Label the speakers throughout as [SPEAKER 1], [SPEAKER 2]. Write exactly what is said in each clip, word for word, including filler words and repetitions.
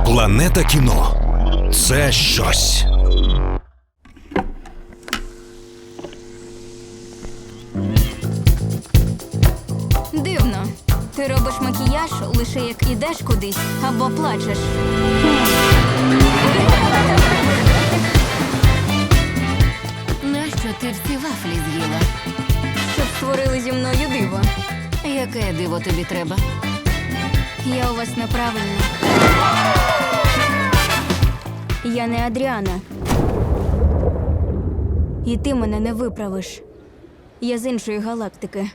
[SPEAKER 1] Планета кіно – це щось.
[SPEAKER 2] Дивно. Ти робиш макіяж лише як ідеш кудись або плачеш.
[SPEAKER 3] Нащо ти всі вафлі з'їла?
[SPEAKER 2] Щоб створили зі мною диво.
[SPEAKER 3] Яке диво тобі треба?
[SPEAKER 2] Я у вас неправильна. Я не Адріана. І ти мене не виправиш. Я з іншої галактики.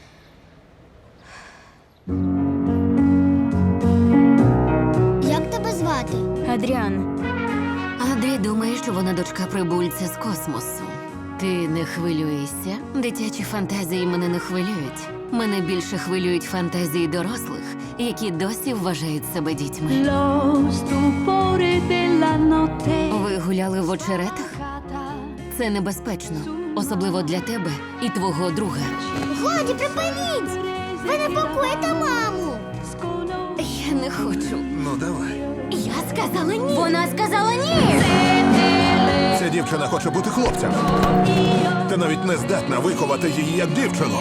[SPEAKER 4] Як тебе звати?
[SPEAKER 2] Адріан.
[SPEAKER 3] Андрій думає, що вона дочка прибульця з космосу. Ти не хвилюєшся? Дитячі фантазії мене не хвилюють. Мене більше хвилюють фантазії дорослих, які досі вважають себе дітьми.
[SPEAKER 5] Lo stupore della notte.
[SPEAKER 3] Ви гуляли в очеретах? Це небезпечно, особливо для тебе і твого друга.
[SPEAKER 4] Годі, припиніть! Ви непокоїте маму!
[SPEAKER 3] Я не хочу.
[SPEAKER 6] Ну, давай.
[SPEAKER 3] Я сказала ні.
[SPEAKER 2] Вона сказала ні!
[SPEAKER 6] Ця дівчина хоче бути хлопцем. Ти навіть не здатна виховати її як дівчину.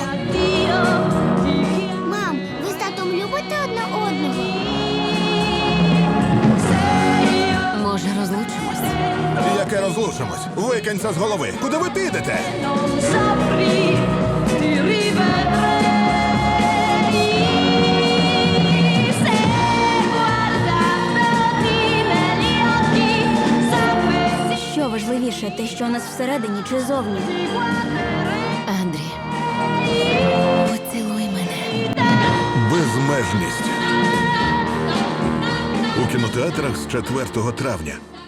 [SPEAKER 4] Мам, ви з татом любите одне одного?
[SPEAKER 3] Може, розлучимось?
[SPEAKER 6] Яке розлучимось? Викинь це з голови. Куди ви підете?
[SPEAKER 5] Non saprei ti rivedrei se guardandoti negli occhi sapessi
[SPEAKER 2] Що важливіше, те, що у нас всередині чи зовні?
[SPEAKER 3] Андрій, поцілуй мене.
[SPEAKER 6] Безмежність. У кінотеатрах з четвертого травня.